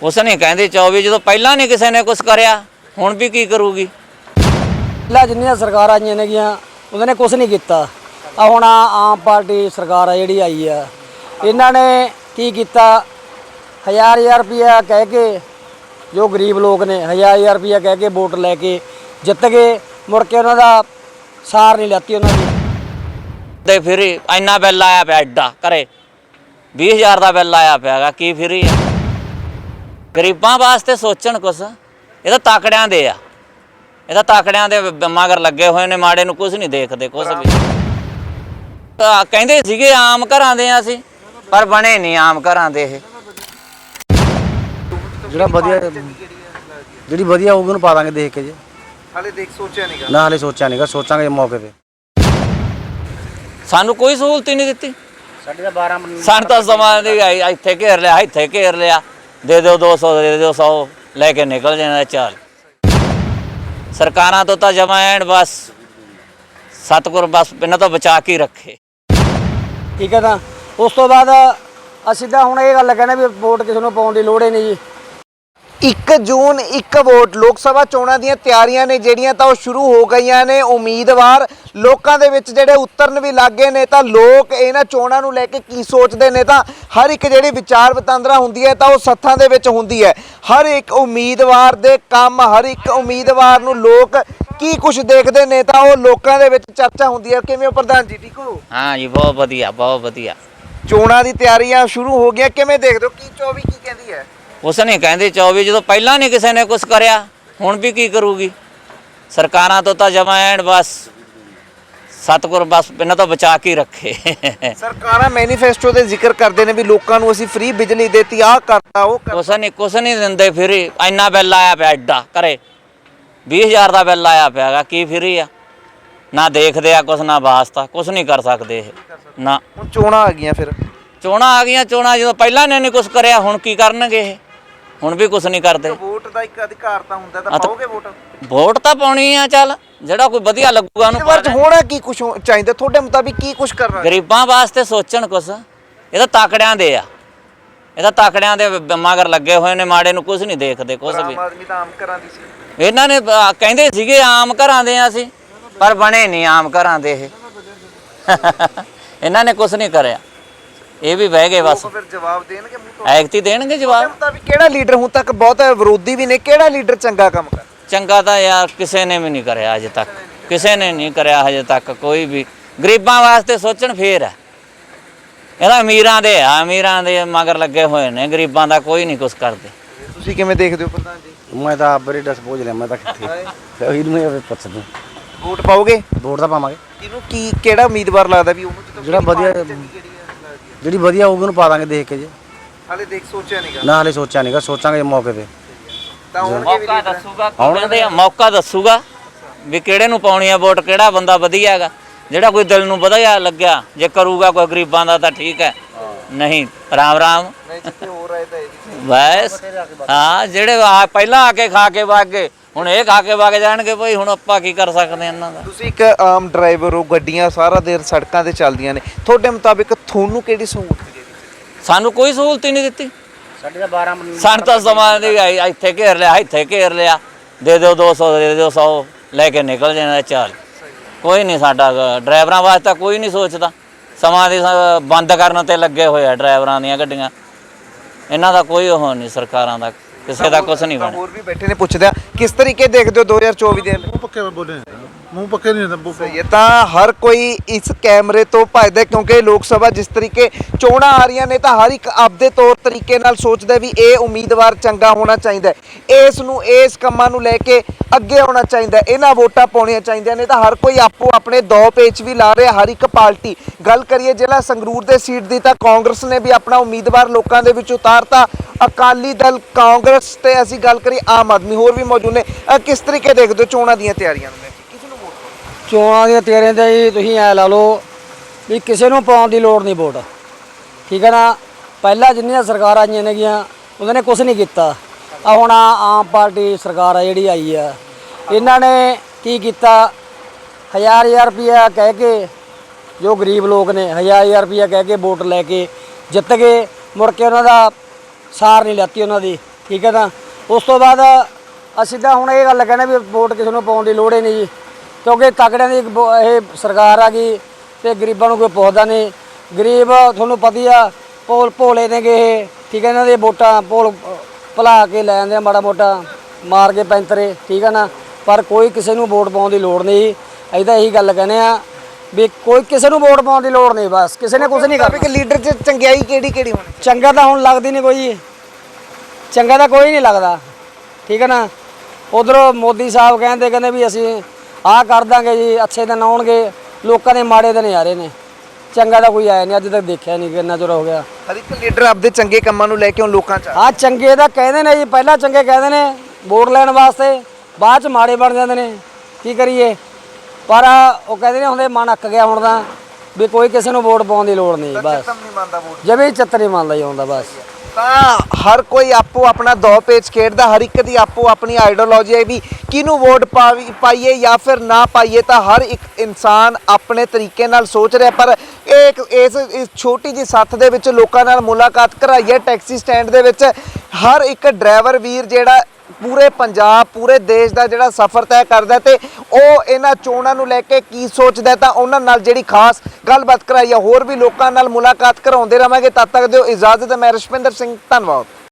ਕੁਛ ਨਹੀਂ ਕਹਿੰਦੇ 24 ਜਦੋਂ ਪਹਿਲਾਂ ਨਹੀਂ ਕਿਸੇ ਨੇ ਕੁਛ ਕਰਿਆ ਹੁਣ ਵੀ ਕੀ ਕਰੂਗੀ। ਪਹਿਲਾਂ ਜਿੰਨੀਆਂ ਸਰਕਾਰਾਂ ਆਈਆਂ ਨੇਗੀਆਂ ਉਹਨਾਂ ਨੇ ਕੁਛ ਨਹੀਂ ਕੀਤਾ। ਆ ਹੁਣ ਆਮ ਪਾਰਟੀ ਸਰਕਾਰ ਆ ਜਿਹੜੀ ਆਈ ਆ, ਇਹਨਾਂ ਨੇ ਕੀ ਕੀਤਾ, 1000 ਰੁਪਇਆ ਕਹਿ ਕੇ ਜੋ ਗਰੀਬ ਲੋਕ ਨੇ 1000 ਰੁਪਇਆ ਕਹਿ ਕੇ ਵੋਟ ਲੈ ਕੇ ਜਿੱਤ ਗਏ, ਮੁੜ ਕੇ ਉਹਨਾਂ ਦਾ ਸਾਰ ਨਹੀਂ ਲੈਤੀ ਉਹਨਾਂ ਦੀ। ਤੇ ਫਿਰ ਇੰਨਾ ਬਿੱਲ ਆਇਆ ਪਿਆ ਐਡਾ ਘਰੇ 20000 ਦਾ ਬਿੱਲ ਆਇਆ ਪਿਆਗਾ, ਕੀ ਫਿਰੀ ਆ। ਗਰੀਬਾਂ ਵਾਸਤੇ ਸੋਚਣ ਕੁਛ, ਇਹ ਤਾਂ ਤਾਕੜਿਆਂ ਦੇ ਆ, ਇਹ ਤਾਂ ਤਾਕੜਿਆਂ ਦੇ ਮਗਰ ਲੱਗੇ ਹੋਏ ਨੇ, ਮਾੜੇ ਨੂੰ ਕੁਛ ਨਹੀਂ ਦੇਖਦੇ ਕੁਛ ਵੀ। ਕਹਿੰਦੇ ਸੀਗੇ ਆਮ ਘਰਾਂ ਦੇ ਆ ਅਸੀਂ, ਪਰ ਬਣੇ ਨਹੀਂ ਆਮ ਘਰਾਂ ਦੇ। ਇਹ ਜਿਹੜਾ ਵਧੀਆ ਜਿਹੜੀ ਵਧੀਆ ਹੋਊਗੀ ਉਹਨੂੰ ਪਾ ਦਾਂਗੇ ਦੇਖ ਕੇ ਜੀ। ਹਾਲੇ ਦੇਖ ਸੋਚਿਆ ਨਹੀਂਗਾ ਨਾ, ਹਾਲੇ ਸੋਚਿਆ ਨਹੀਂਗਾ, ਸੋਚਾਂਗੇ ਮੌਕੇ ਤੇ। ਸਾਨੂੰ ਕੋਈ ਸਹੂਲਤ ਹੀ ਨਹੀਂ ਦਿੱਤੀ। ਸਾਡੇ ਤਾਂ 12 ਸਾਨੂੰ ਤਾਂ ਸਮਾਂ ਦੀ ਇੱਥੇ ਘੇਰ ਲਿਆ, ਇੱਥੇ ਘੇਰ ਲਿਆ, ਦੇ ਦਿਓ 200 ਦੇ ਦਿਓ 100 ਲੈ ਕੇ ਨਿਕਲ ਜਾਣਾ। ਚੱਲ ਸਰਕਾਰਾਂ ਤੋਂ ਤਾਂ ਜਮਾ ਐਨ ਬਸ ਸਤਿਗੁਰ ਬਸ ਇਹਨਾਂ ਤੋਂ ਬਚਾ ਕੇ ਰੱਖੇ। ਠੀਕ ਹੈ, ਤਾਂ ਉਸ ਤੋਂ ਬਾਅਦ ਅਸੀਂ ਤਾਂ ਹੁਣ ਇਹ ਗੱਲ ਕਹਿੰਦੇ ਵੀ ਵੋਟ ਕਿਸੇ ਨੂੰ ਪਾਉਣ ਦੀ ਲੋੜ ਹੀ ਨਹੀਂ ਜੀ। 1 ਜੂਨ 1 ਵੋਟ ਲੋਕ ਸਭਾ ਚੋਣਾਂ ਦੀਆਂ ਤਿਆਰੀਆਂ ਨੇ ਜਿਹੜੀਆਂ ਤਾਂ ਉਹ ਸ਼ੁਰੂ ਹੋ ਗਈਆਂ ਨੇ। ਉਮੀਦਵਾਰ ਲੋਕਾਂ ਦੇ ਵਿੱਚ ਜਿਹੜੇ ਉਤਰਨ ਵੀ ਲੱਗੇ ਨੇ, ਤਾਂ ਲੋਕ ਇਹਨਾਂ ਚੋਣਾਂ ਨੂੰ ਲੈ ਕੇ ਕੀ ਸੋਚਦੇ ਨੇ, ਤਾਂ ਹਰ ਇੱਕ ਜਿਹੜੀ ਵਿਚਾਰ ਵਟਾਂਦਰਾ ਹੁੰਦੀ ਹੈ ਤਾਂ ਉਹ ਸੱਥਾਂ ਦੇ ਵਿੱਚ ਹੁੰਦੀ ਹੈ। ਹਰ ਇੱਕ ਉਮੀਦਵਾਰ ਦੇ ਕੰਮ, ਹਰ ਇੱਕ ਉਮੀਦਵਾਰ ਨੂੰ ਲੋਕ ਕੀ ਕੁਝ ਦੇਖਦੇ ਨੇ, ਤਾਂ ਉਹ ਲੋਕਾਂ ਦੇ ਵਿੱਚ ਚਰਚਾ ਹੁੰਦੀ ਹੈ। ਕਿਵੇਂ ਹੋ ਪ੍ਰਧਾਨ ਜੀ, ਠੀਕ ਹੋ? ਹਾਂ ਜੀ, ਬਹੁਤ ਵਧੀਆ, ਬਹੁਤ ਵਧੀਆ। ਚੋਣਾਂ ਦੀ ਤਿਆਰੀਆਂ ਸ਼ੁਰੂ ਹੋ ਗਈਆਂ, ਕਿਵੇਂ ਦੇਖਦੇ ਹੋ? ਕੀ 24 ਕੀ ਕਹਿੰਦੀ ਹੈ? ਕੁਛ ਨਹੀਂ ਕਹਿੰਦੇ 24 ਜਦੋਂ ਪਹਿਲਾਂ ਨਹੀਂ ਕਿਸੇ ਨੇ ਕੁਛ ਕਰਿਆ ਹੁਣ ਵੀ ਕੀ ਕਰੂਗੀ। ਸਰਕਾਰਾਂ ਤੋਂ ਤਾਂ ਜਮਾ ਐਨ ਬਸ ਸਤਿਗੁਰ ਬਸ ਇਹਨਾਂ ਤੋਂ ਬਚਾ ਕੇ ਰੱਖੇ। ਸਰਕਾਰਾਂ ਮੈਨੀਫੈਸਟੋ ਦੇ ਜ਼ਿਕਰ ਕਰਦੇ ਨੇ ਵੀ ਲੋਕਾਂ ਨੂੰ ਅਸੀਂ ਫ੍ਰੀ ਬਿਜਲੀ ਦੇਤੀ, ਆਹ ਕਰਤਾ ਉਹ ਕਰਤਾ। ਕੁਛ ਨਹੀਂ ਦਿੰਦੇ। ਫਿਰ ਇੰਨਾ ਬਿੱਲ ਆਇਆ ਪਿਆ ਐਡਾ ਘਰੇ 20000 ਦਾ ਬਿੱਲ ਆਇਆ ਪਿਆਗਾ, ਕੀ ਫਿਰੀ ਆ। ਨਾ ਦੇਖਦੇ ਆ ਕੁਛ, ਨਾ ਵਾਸਤਾ ਕੁਛ ਨਹੀਂ ਕਰ ਸਕਦੇ ਇਹ ਨਾ। ਹੁਣ ਚੋਣਾਂ ਆ ਗਈਆਂ, ਫਿਰ ਚੋਣਾਂ ਆ ਗਈਆਂ। ਚੋਣਾਂ ਜਦੋਂ ਪਹਿਲਾਂ ਨੇ ਨਹੀਂ ਕੁਛ ਕਰਿਆ ਹੁਣ ਕੀ ਕਰਨਗੇ ਇਹ। ਹੁਣ ਵੀ ਕੁਛ ਨਹੀਂ ਕਰਦੇ। ਵੋਟ ਦਾ ਇੱਕ ਅਧਿਕਾਰ ਤਾਂ ਹੁੰਦਾ, ਤਾਂ ਪਾਓਗੇ ਵੋਟ? ਵੋਟ ਤਾਂ ਪਾਉਣੀ ਆ, ਚੱਲ ਜਿਹੜਾ ਕੋਈ ਵਧੀਆ ਲੱਗੂਗਾ ਉਹਨੂੰ। ਪਰ ਹੋਣਾ ਕੀ ਕੁਝ ਚਾਹੀਦਾ ਤੁਹਾਡੇ ਮੁਤਾਬਿਕ, ਕੀ ਕੁਝ ਕਰਨਾ? ਗਰੀਬਾਂ ਵਾਸਤੇ ਸੋਚਣ ਕੁਛ, ਇਹ ਤਾਂ ਤਾਕੜਿਆਂ ਦੇ ਆ, ਇਹ ਤਾਂ ਤਾਕੜਿਆਂ ਦੇ ਮਗਰ ਲੱਗੇ ਹੋਏ ਨੇ, ਮਾੜੇ ਨੂੰ ਕੁਛ ਨਹੀਂ ਦੇਖਦੇ ਕੁਛ ਵੀ। ਆਮ ਆਦਮੀ ਤਾਂ ਆਮ ਘਰਾਂ ਦੀ ਸੀ। ਇਹਨਾਂ ਨੇ ਕਹਿੰਦੇ ਸੀਗੇ ਆਮ ਘਰਾਂ ਦੇ ਆ ਅਸੀਂ, ਪਰ ਬਣੇ ਨਹੀਂ ਆਮ ਘਰਾਂ ਦੇ। ਇਹ ਇਹਨਾਂ ਨੇ ਕੁਛ ਨਹੀਂ ਕਰਿਆ, ਇਹ ਵੀ ਬਹਿ ਗਏ ਬਸ। ਫਿਰ ਜਵਾਬ ਦੇਣਗੇ ਮੂੰਹ ਤੋਂ? ਐਕਤੀ ਦੇਣਗੇ ਜਵਾਬ। ਮੁਤਾਬਿਕ ਕਿਹੜਾ ਲੀਡਰ ਹੁਣ ਤੱਕ, ਬਹੁਤ ਵਿਰੋਧੀ ਵੀ ਨੇ, ਕਿਹੜਾ ਲੀਡਰ ਚੰਗਾ ਕੰਮ ਕਰ? ਚੰਗਾ ਤਾਂ ਯਾਰ ਕਿਸੇ ਨੇ ਵੀ ਨਹੀਂ ਕਰਿਆ ਅਜੇ ਤੱਕ, ਕਿਸੇ ਨੇ ਨਹੀਂ ਕਰਿਆ ਹਜੇ ਤੱਕ ਕੋਈ ਵੀ। ਗਰੀਬਾਂ ਵਾਸਤੇ ਸੋਚਣ ਫੇਰ ਹੈ। ਇਹਦਾ ਅਮੀਰਾਂ ਦੇ ਆ, ਅਮੀਰਾਂ ਦੇ ਮਗਰ ਲੱਗੇ ਹੋਏ ਨੇ, ਗਰੀਬਾਂ ਦਾ ਕੋਈ ਨਹੀਂ ਕੁਛ ਕਰਦੇ। ਤੁਸੀਂ ਕਿਵੇਂ ਦੇਖਦੇ ਹੋ ਪ੍ਰਧਾਨ ਜੀ? ਮੈਂ ਤਾਂ ਬੜੀ ਡਸ ਪਹੁੰਚ ਲਿਆ, ਮੈਂ ਤਾਂ ਕਿੱਥੇ ਇਹਨੂੰ ਪੁੱਛ ਦੂੰ। ਵੋਟ ਪਾਓਗੇ? ਵੋਟ ਤਾਂ ਪਾਵਾਂਗੇ। ਕਿਹਨੂੰ, ਕੀ ਕਿਹੜਾ ਉਮੀਦਵਾਰ ਲੱਗਦਾ ਵੀ ਉਹਨੂੰ ਜਿਹੜਾ ਵਧੀਆ ਜਿਹੜੀ ਵਧੀਆ ਹੋਊਗੀ ਉਹਨੂੰ ਪਾ ਦਾਂਗੇ ਦੇਖ ਕੇ ਜੀ। ਹਾਲੇ ਦੇਖ ਸੋਚਿਆ ਨਹੀਂਗਾ? ਨਾ, ਹਾਲੇ ਸੋਚਿਆ ਨਹੀਂਗਾ, ਸੋਚਾਂਗੇ ਮੌਕੇ ਤੇ। ਤਾਂ ਮੌਕਾ ਦੱਸੂਗਾ, ਕਹਿੰਦੇ ਆ ਮੌਕਾ ਦੱਸੂਗਾ ਵੀ ਕਿਹੜੇ ਨੂੰ ਪਾਉਣੀ ਆ ਵੋਟ, ਕਿਹੜਾ ਬੰਦਾ ਵਧੀਆ ਹੈਗਾ, ਜਿਹੜਾ ਕੋਈ ਦਿਲ ਨੂੰ ਵਧੀਆ ਲੱਗਿਆ। ਜੇ ਕਰੂਗਾ ਕੋਈ ਗਰੀਬਾਂ ਦਾ ਤਾਂ ਠੀਕ ਹੈ, ਨਹੀਂ ਰਾਮ ਰਾਮ। ਜਿੱਥੇ ਹੋ ਰਿਹਾ ਤਾਂ ਇਹ ਬਸ ਹਾਂ, ਜਿਹੜੇ ਪਹਿਲਾਂ ਆ ਕੇ ਖਾ ਕੇ ਵਗ ਗਏ ਹੁਣ ਇਹ ਖਾ ਕੇ ਵਗ ਜਾਣਗੇ ਭਾਈ। ਹੁਣ ਆਪਾਂ ਕੀ ਕਰ ਸਕਦੇ ਇਹਨਾਂ ਦਾ। ਤੁਸੀਂ ਇੱਕ ਆਮ ਡਰਾਈਵਰ ਹੋ, ਗੱਡੀਆਂ ਸਾਰਾ ਦਿਨ ਸੜਕਾਂ ਤੇ ਚੱਲਦੀਆਂ ਨੇ, ਤੁਹਾਡੇ ਮੁਤਾਬਿਕ ਤੁਹਾਨੂੰ ਕਿਹੜੀ ਸਹੂਲਤ ਦੇ ਦਿੱਤੀ? ਸਾਨੂੰ ਕੋਈ ਸਹੂਲਤ ਹੀ ਨਹੀਂ ਦਿੱਤੀ। ਸਾਡੇ ਤਾਂ 12 ਸਾਨੂੰ ਤਾਂ ਸਮਾਂ ਦੀ ਇੱਥੇ ਘੇਰ ਲਿਆ, ਇੱਥੇ ਘੇਰ ਲਿਆ, ਦੇ ਦਿਓ 200 ਦੇ ਦਿਓ 100 ਲੈ ਕੇ ਨਿਕਲ ਜਾਣਾ। ਚੱਲ ਕੋਈ ਨਹੀਂ, ਸਾਡਾ ਡਰਾਈਵਰਾਂ ਵਾਸਤੇ ਕੋਈ ਨਹੀਂ ਸੋਚਦਾ। ਸਮਾਂ ਦੀ ਬੰਦ ਕਰਨ ਤੇ ਲੱਗੇ ਹੋਏ ਆ ਡਰਾਈਵਰਾਂ ਦੀਆਂ ਗੱਡੀਆਂ, ਇਹਨਾਂ ਦਾ ਕੋਈ ਉਹ ਨਹੀਂ, ਸਰਕਾਰਾਂ ਦਾ ਕਿਸੇ ਦਾ ਕੁਛ ਨਹੀਂ ਬਣਿਆ। ਹੋਰ ਵੀ ਬੈਠੇ ਨੇ, ਪੁੱਛਦੇ ਆ ਕਿਸ ਤਰੀਕੇ ਦੇਖਦੇ ਹੋ 2024 ਦੇ? ਮੂੰਹ ਪੱਕੇ ਬੋਲੇ, ਮੂੰਹ ਪੱਕੇ ਨਹੀਂ ਹੁੰਦਾ। ਸਹੀ ਹੈ, ਤਾਂ ਹਰ ਕੋਈ ਇਸ ਕੈਮਰੇ ਤੋਂ ਭੱਜਦਾ, ਕਿਉਂਕਿ ਲੋਕ ਸਭਾ ਜਿਸ ਤਰੀਕੇ ਚੋਣਾਂ ਆ ਰਹੀਆਂ ਨੇ ਤਾਂ ਹਰ ਇੱਕ ਆਪਦੇ ਤੌਰ ਤਰੀਕੇ ਨਾਲ ਸੋਚਦਾ ਵੀ ਇਹ ਉਮੀਦਵਾਰ ਚੰਗਾ ਹੋਣਾ ਚਾਹੀਦਾ, ਇਸ ਨੂੰ ਇਸ ਕੰਮਾਂ ਨੂੰ ਲੈ ਕੇ ਅੱਗੇ ਆਉਣਾ ਚਾਹੀਦਾ, ਇਹਨਾਂ ਵੋਟਾਂ ਪਾਉਣੀਆਂ ਚਾਹੀਦੀਆਂ ਨੇ। ਤਾਂ ਹਰ ਕੋਈ ਆਪੋ ਆਪਣੇ ਦੋ ਪੇਚ ਵੀ ਲਾ ਰਿਹਾ, ਹਰ ਇੱਕ ਪਾਰਟੀ। ਗੱਲ ਕਰੀਏ ਜ਼ਿਲ੍ਹਾ ਸੰਗਰੂਰ ਦੇ ਸੀਟ ਦੀ ਤਾਂ ਕਾਂਗਰਸ ਨੇ ਵੀ ਆਪਣਾ ਉਮੀਦਵਾਰ ਲੋਕਾਂ ਦੇ ਵਿੱਚ ਉਤਾਰਤਾ, ਅਕਾਲੀ ਦਲ, ਕਾਂਗਰਸ ਤੇ ਅਸੀਂ ਗੱਲ ਕਰੀ ਆਮ ਆਦਮੀ, ਹੋਰ ਵੀ ਮੌਜੂਦ ਨੇ। ਕਿਸ ਤਰੀਕੇ ਦੇਖਦੇ ਹੋ ਚੋਣਾਂ ਦੀਆਂ ਤਿਆਰੀਆਂ ਨੂੰ ਲੈ ਕੇ? ਕਿਸ ਨੂੰ ਵੋਟ? ਚੋਣਾਂ ਦੀਆਂ ਤਿਆਰੀਆਂ ਤਾਂ ਜੀ ਤੁਸੀਂ ਐ ਲਾ ਲਓ ਵੀ ਕਿਸੇ ਨੂੰ ਪਾਉਣ ਦੀ ਲੋੜ ਨਹੀਂ ਵੋਟ, ਠੀਕ ਹੈ ਨਾ। ਪਹਿਲਾਂ ਜਿੰਨੀਆਂ ਸਰਕਾਰਾਂ ਆਈਆਂ ਨੇਗੀਆਂ ਉਹਨਾਂ ਨੇ ਕੁਛ ਨਹੀਂ ਕੀਤਾ। ਆ ਹੁਣ ਆਮ ਪਾਰਟੀ ਸਰਕਾਰ ਆ ਜਿਹੜੀ ਆਈ ਆ, ਇਹਨਾਂ ਨੇ ਕੀ ਕੀਤਾ, 1000 ਰੁਪਇਆ ਕਹਿ ਕੇ ਜੋ ਗਰੀਬ ਲੋਕ ਨੇ 1000 ਰੁਪਇਆ ਕਹਿ ਕੇ ਵੋਟ ਲੈ ਕੇ ਜਿੱਤ ਗਏ, ਮੁੜ ਕੇ ਉਹਨਾਂ ਦਾ ਸਾਰ ਨਹੀਂ ਲੈਤੀ ਉਹਨਾਂ ਦੀ। ਠੀਕ ਹੈ ਨਾ। ਉਸ ਤੋਂ ਬਾਅਦ ਅਸੀਂ ਤਾਂ ਹੁਣ ਇਹ ਗੱਲ ਕਹਿੰਦੇ ਵੀ ਵੋਟ ਕਿਸੇ ਨੂੰ ਪਾਉਣ ਦੀ ਲੋੜ ਹੀ ਨਹੀਂ ਜੀ, ਕਿਉਂਕਿ ਤਕੜਿਆਂ ਦੀ ਇਹ ਸਰਕਾਰ ਆ ਗਈ ਤੇ ਗਰੀਬਾਂ ਨੂੰ ਕੋਈ ਪੁੱਛਦਾ ਨਹੀਂ। ਗਰੀਬ ਤੁਹਾਨੂੰ ਪਤਾ ਆ ਭੋਲੇ ਨੇਗੇ ਇਹ, ਠੀਕ ਹੈ, ਇਹਨਾਂ ਦੇ ਵੋਟਾਂ ਭੁਲਾ ਕੇ ਲੈ ਜਾਂਦੇ ਆ ਮਾੜਾ ਮੋਟਾ ਮਾਰ ਕੇ ਪੈਂਤਰੇ, ਠੀਕ ਹੈ ਨਾ। ਪਰ ਕੋਈ ਕਿਸੇ ਨੂੰ ਵੋਟ ਪਾਉਣ ਦੀ ਲੋੜ ਨਹੀਂ। ਅਸੀਂ ਤਾਂ ਇਹੀ ਗੱਲ ਕਹਿੰਦੇ ਆ ਵੀ ਕੋਈ ਕਿਸੇ ਨੂੰ ਵੋਟ ਪਾਉਣ ਦੀ ਲੋੜ ਨਹੀਂ, ਬਸ ਕਿਸੇ ਨੇ ਕੁਝ ਨਹੀਂ ਕਰਨਾ। ਕਿ ਲੀਡਰ 'ਚ ਚੰਗਿਆਈ ਕਿਹੜੀ ਹੋਣੀ? ਚੰਗਾ ਤਾਂ ਹੁਣ ਲੱਗਦੀ ਨਹੀਂ ਕੋਈ, ਚੰਗਾ ਤਾਂ ਕੋਈ ਨਹੀਂ ਲੱਗਦਾ, ਠੀਕ ਹੈ ਨਾ। ਉਧਰੋਂ ਮੋਦੀ ਸਾਹਿਬ ਕਹਿੰਦੇ ਵੀ ਅਸੀਂ ਆਹ ਕਰ ਦਾਂਗੇ ਜੀ, ਅੱਛੇ ਦਿਨ ਆਉਣਗੇ, ਲੋਕਾਂ ਦੇ ਮਾੜੇ ਦਿਨ ਆ ਰਹੇ ਨੇ। ਚੰਗਾ ਤਾਂ ਕੋਈ ਆਇਆ ਨਹੀਂ, ਅੱਜ ਤੱਕ ਦੇਖਿਆ ਨਹੀਂ, ਕਿੰਨਾ ਚਿਰ ਹੋ ਗਿਆ। ਹਰ ਇੱਕ ਲੀਡਰ ਆਪਦੇ ਚੰਗੇ ਕੰਮਾਂ ਨੂੰ ਲੈ ਕੇ ਹੁਣ ਲੋਕਾਂ 'ਚ ਹਾਂ ਚੰਗੇ ਤਾਂ ਕਹਿੰਦੇ ਨੇ ਜੀ, ਪਹਿਲਾਂ ਚੰਗੇ ਕਹਿੰਦੇ ਨੇ ਵੋਟ ਲੈਣ ਵਾਸਤੇ, ਬਾਅਦ ਚ ਮਾੜੇ ਬਣ ਜਾਂਦੇ ਨੇ। ਕੀ ਕਰੀਏ, ਪਰ ਉਹ ਕਹਿੰਦੇ ਨੇ ਹੁੰਦੇ ਮਨ ਅੱਕ ਗਿਆ ਹੁਣ ਤਾਂ ਵੀ ਕੋਈ ਕਿਸੇ ਨੂੰ ਵੋਟ ਪਾਉਣ ਦੀ ਲੋੜ ਨਹੀਂ, ਬਸ ਨਹੀਂ ਮੰਨਦਾ ਵੋਟ। ਜਮੇ ਚੱਤਰ ਨਹੀਂ ਮੰਨਦਾ ਜੀ ਹੁੰਦਾ ਬਸ। ਤਾਂ ਹਰ ਕੋਈ ਆਪੋ ਆਪਣਾ ਦੋ ਪੇਚ ਖੇਡਦਾ, ਹਰ ਇੱਕ ਦੀ ਆਪੋ ਆਪਣੀ ਆਈਡੀਓਲੋਜੀ ਹੈ ਵੀ ਕਿਹਨੂੰ ਵੋਟ ਪਾਈਏ ਜਾਂ ਫਿਰ ਨਾ ਪਾਈਏ। ਤਾਂ ਹਰ ਇੱਕ ਇਨਸਾਨ ਆਪਣੇ ਤਰੀਕੇ ਨਾਲ ਸੋਚ ਰਿਹਾ। ਪਰ ਇਸ ਛੋਟੀ ਜਿਹੀ ਸੱਥ ਦੇ ਵਿੱਚ ਲੋਕਾਂ ਨਾਲ ਮੁਲਾਕਾਤ ਕਰਾਈਏ ਟੈਕਸੀ ਸਟੈਂਡ ਦੇ ਵਿੱਚ, ਹਰ ਇੱਕ ਡਰਾਈਵਰ ਵੀਰ ਜਿਹੜਾ ਪੂਰੇ ਪੰਜਾਬ ਪੂਰੇ ਦੇਸ਼ ਦਾ ਜਿਹੜਾ ਸਫ਼ਰ ਤੈਅ ਕਰਦਾ ਤੇ ਉਹ ਇਹਨਾਂ ਚੋਣਾਂ ਨੂੰ ਲੈ ਕੇ ਕੀ ਸੋਚਦਾ, ਤਾਂ ਉਹਨਾਂ ਨਾਲ ਜਿਹੜੀ ਖਾਸ ਗੱਲਬਾਤ ਕਰਾਈ ਆ। ਹੋਰ ਵੀ ਲੋਕਾਂ ਨਾਲ ਮੁਲਾਕਾਤ ਕਰਾਉਂਦੇ ਰਵਾਂਗੇ। ਤਦ ਤੱਕ ਦਿਓ ਇਜਾਜ਼ਤ। ਮੈਂ ਰਸ਼ਪਿੰਦਰ ਸਿੰਘ, ਧੰਨਵਾਦ।